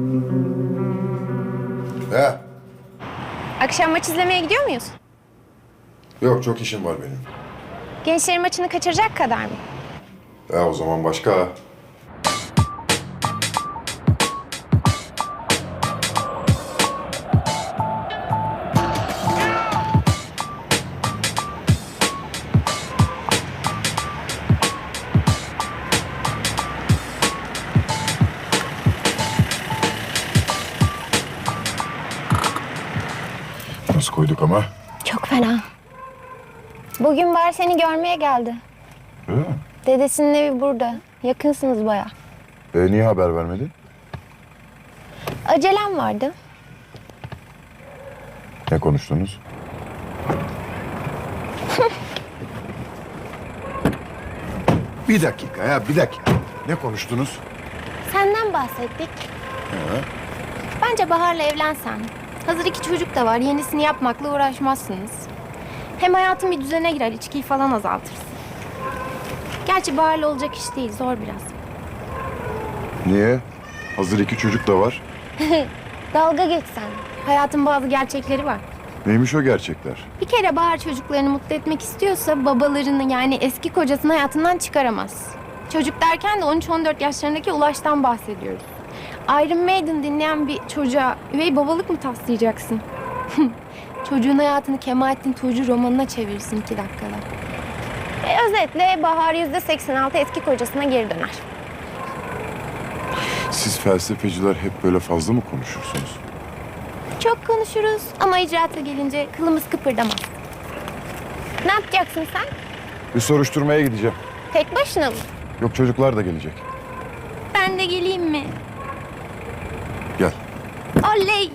He? Akşam maç izlemeye gidiyor muyuz? Yok, çok işim var benim. Gençlerin maçını kaçıracak kadar mı? O zaman başka. Nasıl koyduk ama? Çok fena. Bugün Bahar seni görmeye geldi. Öyle mi? Dedesinin evi burada. Yakınsınız bayağı. Niye haber vermedi? Acelem vardı. Ne konuştunuz? Bir dakika ya, bir dakika. Ne konuştunuz? Senden bahsettik. Bence Bahar'la evlensen. Hazır 2 çocuk da var. Yenisini yapmakla uğraşmazsınız. Hem hayatın bir düzene girer. İçkiyi falan azaltırsın. Gerçi Bahar'la olacak iş değil. Zor biraz. Niye? Hazır 2 çocuk da var. Dalga geçsen. Hayatın bazı gerçekleri var. Neymiş o gerçekler? Bir kere Bahar çocuklarını mutlu etmek istiyorsa babalarını yani eski kocasını hayatından çıkaramaz. Çocuk derken de 13-14 yaşlarındaki Ulaş'tan bahsediyoruz. Iron Maiden dinleyen bir çocuğa üvey babalık mı taslayacaksın? Çocuğun hayatını Kemalettin Tuğcu romanına çevirsin 2 dakikada. Özetle Bahar %86 eski kocasına geri döner. Siz felsefeciler hep böyle fazla mı konuşursunuz? Çok konuşuruz ama icraata gelince kılımız kıpırdamaz. Ne yapacaksın sen? Bir soruşturmaya gideceğim. Tek başına mı? Yok, çocuklar da gelecek. Ben de geleyim mi? Gel. Oley!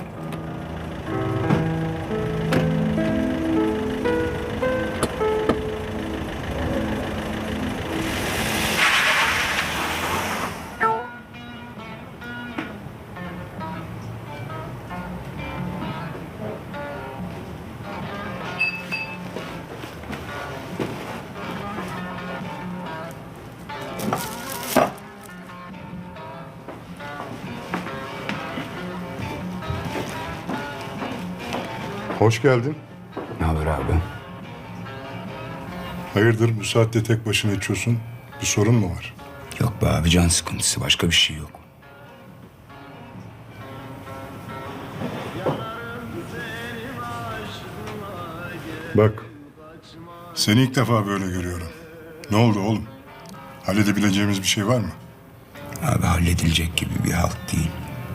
Hoş geldin. Ne haber abi? Hayırdır bu saatte tek başına içiyorsun? Bir sorun mu var? Yok be abi, can sıkıntısı, başka bir şey yok. Bak. Seni ilk defa böyle görüyorum. Ne oldu oğlum? Halledebileceğimiz bir şey var mı? Abi halledilecek gibi bir halt değil.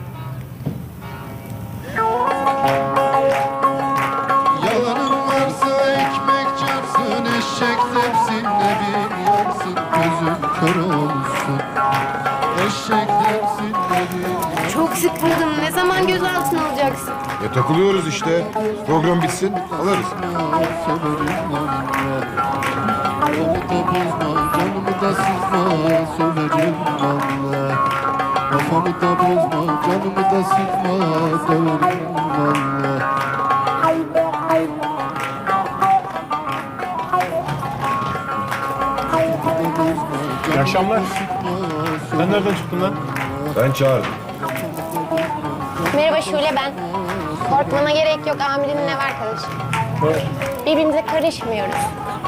Yalanın varsa ekmek çarpsın, eşek tepsinde bir yansın, gözüm kör olsun. Eşek tepsinde bir yansın. Çok sıkıldım. Ne zaman gözaltına alacaksın? Takılıyoruz işte. Program bitsin, alırız. Severim valla. Kafamı da bozma, canımı da sıkma, söverim valla. Kafamı da bozma, canımı da sıkma, döverim valla. İyi akşamlar. Sen nereden çıktın lan? Ben çağırdım. Merhaba Şule ben. Korkmana gerek yok. Amirimin ev arkadaşı. Birbirimize karışmıyoruz.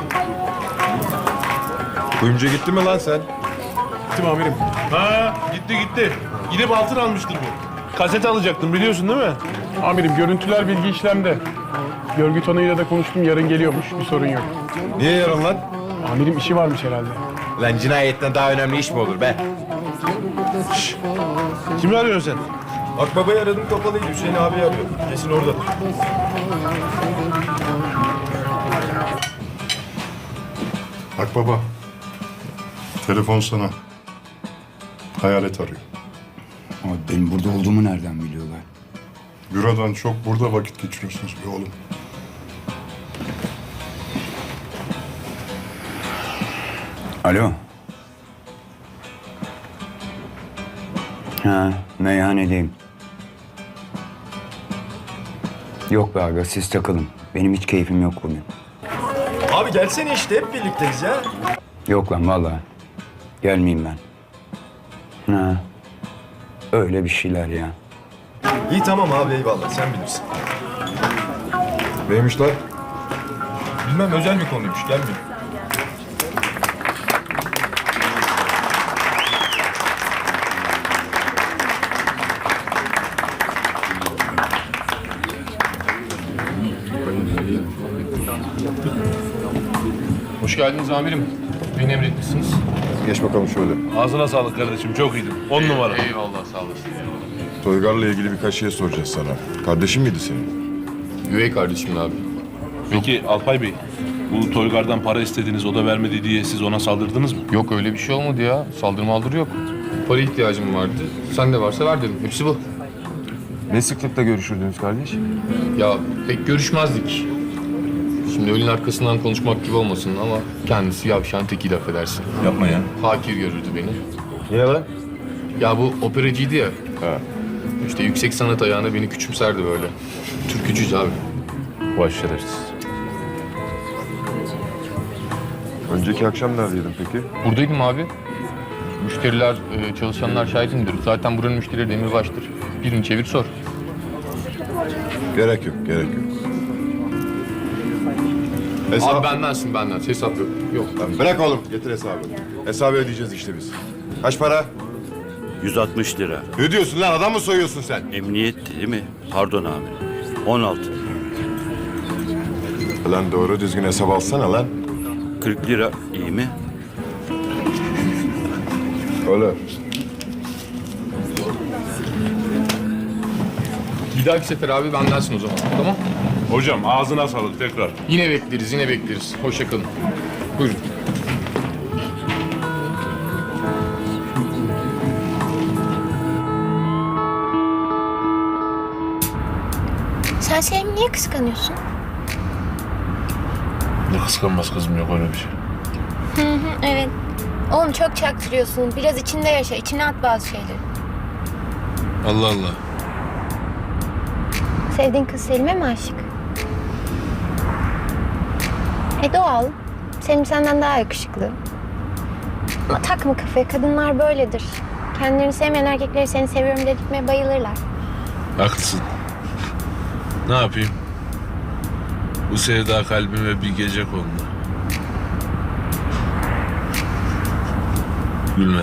Kuyumcuya gitti mi lan sen? Gittim amirim. Ha gitti. Gidip altın almıştır bu. Kaset alacaktım biliyorsun değil mi? Amirim görüntüler bilgi işlemde. Görgü tanığıyla da konuştum, yarın geliyormuş, bir sorun yok. Niye yarın lan? Amirim işi varmış herhalde. Lan cinayetten daha önemli iş mi olur be? Kimi arıyorsun sen? Akbabayı aradım kapalıydı. Hüseyin abi arıyor. Kesin oradadır. Bak baba. Telefon sana. Hayalet arıyor. Ama benim burada olduğumu nereden biliyorlar? Bürodan çok burada vakit geçiriyorsunuz be oğlum. Alo. Ha, meyhanedeyim. Yok be aga, siz takılın. Benim hiç keyfim yok bugün. Abi gelsene işte hep birlikteyiz ya. Yok lan vallahi. Gelmeyeyim ben. Ha. Öyle bir şeyler ya. İyi tamam abi eyvallah sen bilirsin. Neymiş lan? Bilmem özel bir konuymuş gelmiyor. Hoş geldiniz amirim. Beni emretmişsiniz. Geç bakalım şöyle. Ağzına sağlık kardeşim. Çok iyiydin. 10 numara. Eyvallah sağ olasın. Toygar'la ilgili birkaç şey soracağız sana. Kardeşin miydi senin? Üvey kardeşim abi. Peki Alpay Bey, bu Toygar'dan para istediniz, o da vermedi diye siz ona saldırdınız mı? Yok öyle bir şey olmadı ya. Saldırı maldırı yok. Para ihtiyacım vardı. Sen de varsa ver dedim. Hepsi bu. Ne sıklıkla görüşürdünüz kardeş? Ya pek görüşmezdik. Şimdi ölün arkasından konuşmak gibi olmasın ama kendisi yavşan tekiydi affedersin. Yapma ya. Hakir görürdü beni. Niye lan? Ya bu operacıydı ya. Ha. İşte yüksek sanat ayağına beni küçümserdi böyle. Türkücüyüz abi. Vay şerefsiz. Önceki akşam neredeydin peki? Buradaydım abi. Müşteriler, çalışanlar şahidimdir. Zaten buranın müşterileri demirbaştır. Birini çevir sor. Gerek yok, gerek yok. Abi bendensin benden. Hesap yok. Yok. Lan bırak oğlum, getir hesabı. Hesabı ödeyeceğiz işte biz. Kaç para? 160 lira. Ne diyorsun lan, adam mı soyuyorsun sen? Emniyet değil mi? Pardon amirim. 16. Lan doğru düzgün hesap alsana lan. 40 lira iyi mi? Öyle. Bir dahaki sefer abi bendensin o zaman. Tamam? Hocam ağzına sağlık tekrar. Yine bekleriz, yine bekleriz. Hoşça kalın. Buyurun. Sen Selim'i niye kıskanıyorsun? Ne kıskanmaz kızım, yok öyle bir şey. Evet. Oğlum çok çaktırıyorsun. Biraz içinde yaşa. İçine at bazı şeyleri. Allah Allah. Sevdiğin kız Selim'e mi aşık? Doğal. Selim senden daha yakışıklı. Ama takma kafaya. Kadınlar böyledir. Kendilerini sevmeyen erkekleri seni seviyorum dedirtmeye bayılırlar. Haklısın. Ne yapayım? Bu sevda kalbime bir gece kondu. Gülme.